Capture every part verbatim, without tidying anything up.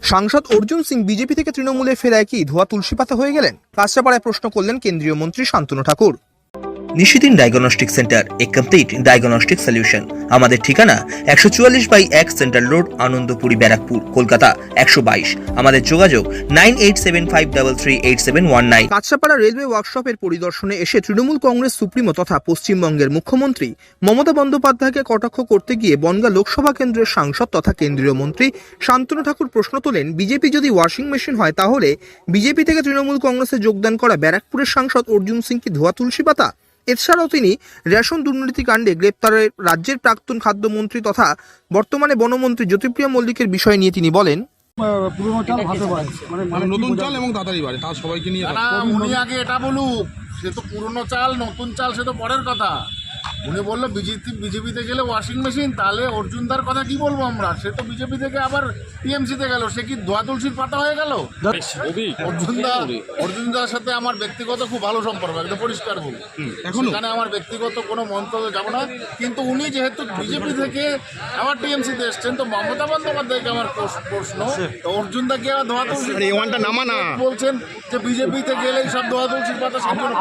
সাংসদ অর্জুন সিং বিজেপি থেকে তৃণমূলে ফেরায় কি ধোয়া তুলসী পাতা হয়ে গেলেন? কাঁচরাপাড়ায় প্রশ্ন করলেন কেন্দ্রীয় মন্ত্রী Shantanu Thakur. Nishidin diagnostic centre, a complete diagnostic solution. আমাদের ঠিকানা একশো চুয়াল্লিশ বাই এক সেন্ট্রাল রোড, আনন্দপুরি, ব্যারাকপুর, কলকাতা একশো বাইশ। আমাদের যোগাযোগ nine eight seven five three three eight seven one nine. Kanchrapara railway ওয়ার্কশপের পরিদর্শনে এসে তৃণমূল কংগ্রেস সুপ্রিমো তথা পশ্চিমবঙ্গের মুখ্যমন্ত্রী মমতা বন্দ্যোপাধ্যায়কে কটাক্ষ করতে গিয়ে বনগাঁ লোকসভা কেন্দ্রের সাংসদ তথা কেন্দ্রীয় মন্ত্রী শান্তনু ঠাকুর প্রশ্ন তোলেন, বিজেপি যদি ওয়াশিং মেশিন হয় তাহলে বিজেপি থেকে তৃণমূল কংগ্রেসে যোগদান করা ব্যারাকপুরের সাংসদ অর্জুন সিং কি ধোয়া তুলসী পাতা? এছাড়াও তিনি রেশন দুর্নীতি কাণ্ডে গ্রেপ্তারের রাজ্যের প্রাক্তন খাদ্যমন্ত্রী তথা বর্তমানে বনমন্ত্রী জ্যোতিপ্রিয় মল্লিকের বিষয় নিয়ে তিনি বলেন, পুরনো চাল ভাতে বাড়ে, মানে মানে নতুন চাল এবং তাড়াতাড়ি বাড়ে, তার সবাইকে নিয়ে না, উনি আগে এটা বলুক, সে তো পুরনো চাল নতুন চাল সে তো পরের কথা। উনি বললো বিজেপি বিজেপিতে গেলে ওয়াশিং মেশিন, তাহলে অর্জুনদার কথা কি বলবো আমরা? সে তো বিজেপি থেকে আবার টিএমসিতে গেল, সে কি ধোয়া তুলসীর পাতা হয়ে গেল? অর্জুনদা অর্জুনদার সাথে আমার ব্যক্তিগত খুব ভালো সম্পর্ক, একদম পরিষ্কার বলি, এখানে আমার ব্যক্তিগত কোনো মন্তব্য যাব না। কিন্তু উনি যেহেতু বিজেপি থেকে আবার টিএমসিতে এসছেন, তো মমতা বন্দ্যোপাধ্যায়কে আমার প্রশ্ন, অর্জুনদা কি আবার ধোয়া তুলসীর নামা না বলছেন যে বিজেপিতে গেলেই সব ধোয়া তুলসীর পাতা?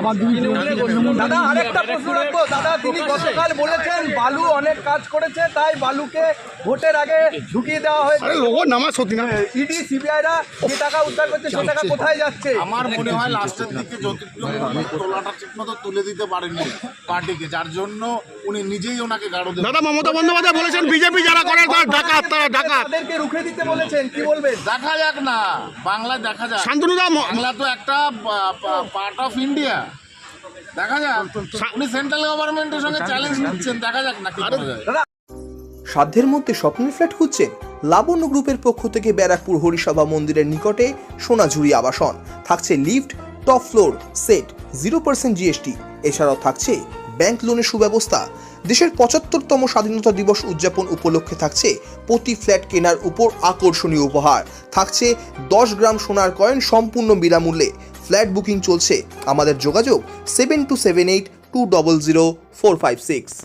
দাদা আরেকটা প্রশ্ন রাখবো। দাদা তিনি গতকাল বলেছেন বালু অনেক কাজ করেছে, তাই বালুকে ভোটের আগে ঢুকিয়ে দেওয়া হয়েছে। নামা সত্যি না, ইডি সিবিআইরা যে টাকা উদ্ধার করছে সে টাকা কোথায় যাচ্ছে? আমার মনে হয় লাস্টের দিকে জ্যোতিপ্রিয় তোলাটা ঠিক মতো তুলে দিতে পারেননি পার্টিকে, যার জন্য উনি নিজেই ওনাকে গাড়ো দেন। দাদা মমতা বন্দ্যোপাধ্যায় বলেছেন বিজেপি যারা করে তার ডাকাত, তারা ডাকাত, তাদেরকে রুখে দিতে বলেছেন, কি বলবেন? দেখা যাক না, বাংলায় দেখা যাক। শান্তনুদা বাংলা তো একটা পার্ট অফ ইন্ডিয়া, দেখা যাক। উনি সেন্ট্রাল গভর্নমেন্টের সঙ্গে চ্যালেঞ্জ নিচ্ছেন, দেখা যাক না কি করা যায়। সাধ্যের মধ্যে স্বপ্নের ফ্ল্যাট খুঁজছেন? লাবণ্য গ্রুপের পক্ষ থেকে ব্যারাকপুর হরিসভা মন্দিরের নিকটে সোনাঝুরি আবাসন থাকছে lift, top floor, set, zero percent GST. এছাড়াও থাকছে ব্যাংক লোনের সুব্যবস্থা। দেশের পঁচাত্তরতম স্বাধীনতা দিবস উদযাপন উপলক্ষে থাকছে প্রতি ফ্ল্যাট কেনার উপর আকর্ষণীয় উপহার, থাকছে দশ গ্রাম সোনার কয়েন সম্পূর্ণ বিনামূল্যে। ফ্ল্যাট বুকিং চলছে। আমাদের যোগাযোগ seven two seven eight two double zero four five six.